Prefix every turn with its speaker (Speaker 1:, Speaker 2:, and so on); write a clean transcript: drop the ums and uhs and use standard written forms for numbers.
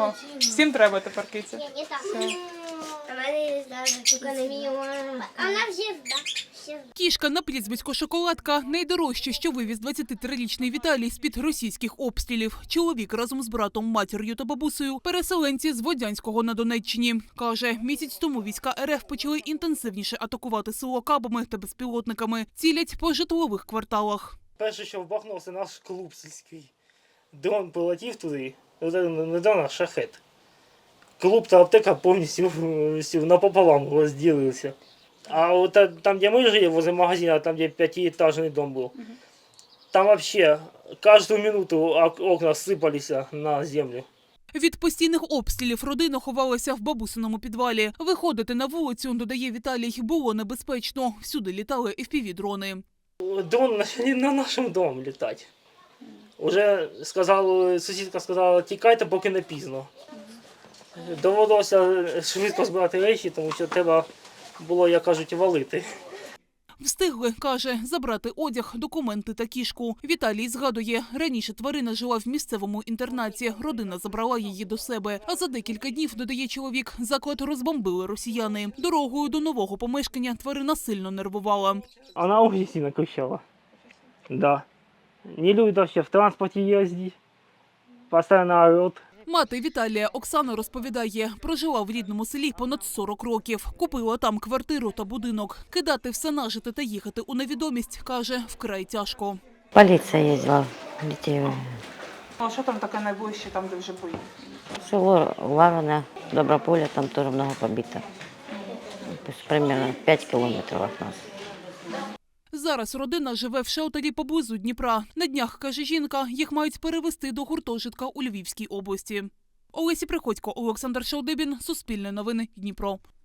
Speaker 1: О, всім треба тепер киця.
Speaker 2: Не так.
Speaker 1: Все.
Speaker 2: А мене навіть тільки не міла. А вона всі.
Speaker 3: Кішка на прізвисько Шоколадка – найдорожче, що вивіз 23-річний Віталій з-під російських обстрілів. Чоловік разом з братом, матір'ю та бабусею – переселенці з Водянського на Донеччині. Каже, місяць тому війська РФ почали інтенсивніше атакувати село кабами та безпілотниками. Цілять по житлових кварталах.
Speaker 4: Перше, що вбахнув, це наш клуб сільський. Дрон полетів туди, не дрон, а шахет. Клуб та аптека повністю напополам розділилися. А от там, де ми жили, возле магазина, там, де п'ятиэтажний дом був, там взагалі кожну минуту окна сипалися на землю.
Speaker 3: Від постійних обстрілів родина ховалася в бабусиному підвалі. Виходити на вулицю, додає Віталій, було небезпечно. Всюди літали FPV-дрони.
Speaker 4: Дрон почали на нашому домі літати. Уже сусідка сказала, тікайте, поки не пізно. Довелося швидко збирати речі, тому що треба було, як кажуть, валити.
Speaker 3: Встигли, каже, забрати одяг, документи та кішку. Віталій згадує, раніше тварина жила в місцевому інтернаті. Родина забрала її до себе. А за декілька днів, додає чоловік, заклад розбомбили росіяни. Дорогою до нового помешкання тварина сильно нервувала.
Speaker 4: Вона дуже сильно кричала. Да. Не любить вообще в транспорті їздити. Постійно орет.
Speaker 3: Мати Віталія Оксана розповідає, прожила в рідному селі понад 40 років. Купила там квартиру та будинок. Кидати все нажите та їхати у невідомість, каже, вкрай тяжко.
Speaker 5: Поліція їздила, дітей.
Speaker 1: А що там таке найближче, там де вже бої?
Speaker 5: Село Лавине, Доброполе, там теж много побито. Примерно 5 кілометрів від нас.
Speaker 3: Зараз родина живе в шелтері поблизу Дніпра. На днях, каже жінка, їх мають перевезти до гуртожитка у Львівській області. Олеся Приходько, Олександр Шалдибін, Суспільне новини, Дніпро.